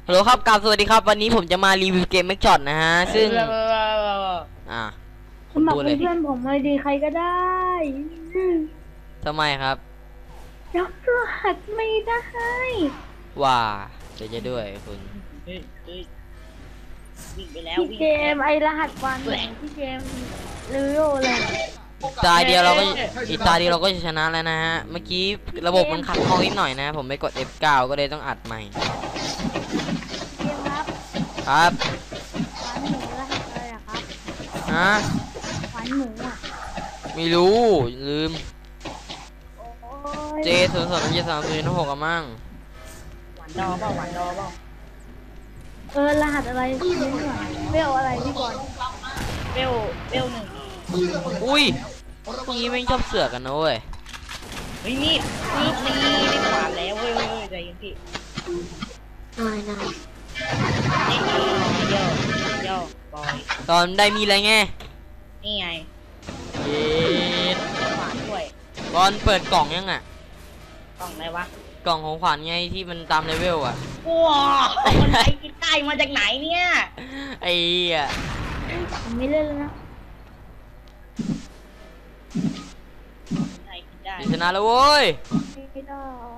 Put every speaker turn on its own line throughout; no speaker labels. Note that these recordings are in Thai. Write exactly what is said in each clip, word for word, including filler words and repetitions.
ฮัลโหลครับกราบสวัสดีครับวันนี้ผมจะมารีวิวเกมแม็กช็อตนะฮะซึ่งอ่า
สมัครเป็นเพื่อนผมเลยดีใครก็ได้
ทำไมครับ
ยกรหัสไม่ได้
ว่าเดี๋ยวจะด้วยคุณ
วิ่งไปแล้ว
พี่เกมไอรหัสวันพี่เกมเร็วเลย
ตาเดียวเราก็อีกตาเดียวเราก็จะชนะแล้วนะฮะเมื่อกี้ระบบมันขัดข้องนิดหน่อยนะผมไปกด เอฟ เก้า ก็เลยต้องอัดใหม่
เกมครับ
ครับ
ขวัญหมูรหัสอะไรอะครับ
ฮะ
ขวัญหมูอะ
ไม่รู้ลืมเจ
ย
ศูนย์สองเจ็ดสามศูนย์หกอะมั่ง
หวานดอเปล่าหวานดอเปล่า
เออรหัสอะไรนี่หน่อยเวลอะไรพี่บอล
เบลเบลหนึ่ง
อุ้ยพวกนี้ไม่ชอบเสือกกันนะเว้ย
เฮ้ยนี่ปึ๊บนี่ได้ขวานแล้วเว้ยเว้ยใจเย็นพี่
นายนาย
นี่โยโยบอย
ตอนได้มีอะไรไง
นี่ไง
เย็ด
ขวานด้วย
บอลเปิดกล่องยังอ่ะ
กล่องอะไรวะ
กล่องของขวัญไงที่มันตามเลเวลอ่ะ
ว้าวคนไทยกินได้มาจากไหนเนี่ย
ไอ้อ่ะ
ไม่เล่นแล้วนะ
ชนะแล้วเว้ย
ไม่ได้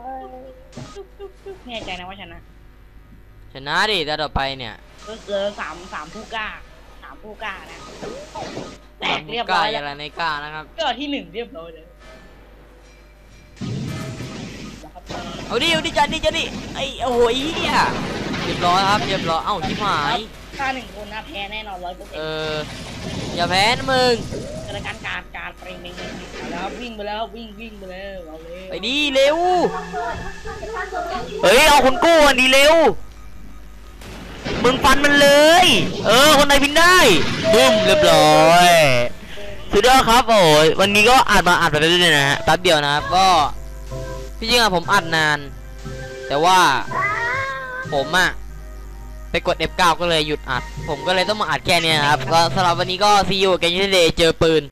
แน่ใจนะว่าชนะ
ชนะดิแต่ต่อไปเนี่ย
ก็เจอสามสามผู้กล้าสามผู้กล้านะแตกเรียบร้อยแล้ว
อะไรในกล้านะครับ
ก็ที่หนึ่งเรียบร้อยเลย
เอาดิเอาดิจัดดิจัดดิไอ้โอ้ยเรียบร้อยครับเรียบร้อยเอ้าชิบหาย
ถ้าหนึ่งคนนะแพ้แน่นอนร้อยเปอร์เซ็นต์
เอออย่าแพ้นะมึง
กระการการการปริงเองแล้ววิ่งไปแล้ววิ่งวิ่งไปแล้วเอาเลย
ไปดิเร็วเฮ้ยเอาคนกู้อันดีเร็วมึงฟันมันเลยเออคนไหนพินได้บุ้มเรียบร้อยสุดยอดครับโอ้ยวันนี้ก็อัดมาอัดไปเรื่อยๆนะฮะแป๊บเดียวนะครับก็ที่จริงอะผมอัดนานแต่ว่าผมอะไปกด เอฟ เก้า ก็เลยหยุดอัดผมก็เลยต้องมาอัดแค่นี้นะครับก็สำหรับวันนี้ก็ซีอูกันยี่เดย์เจอปืน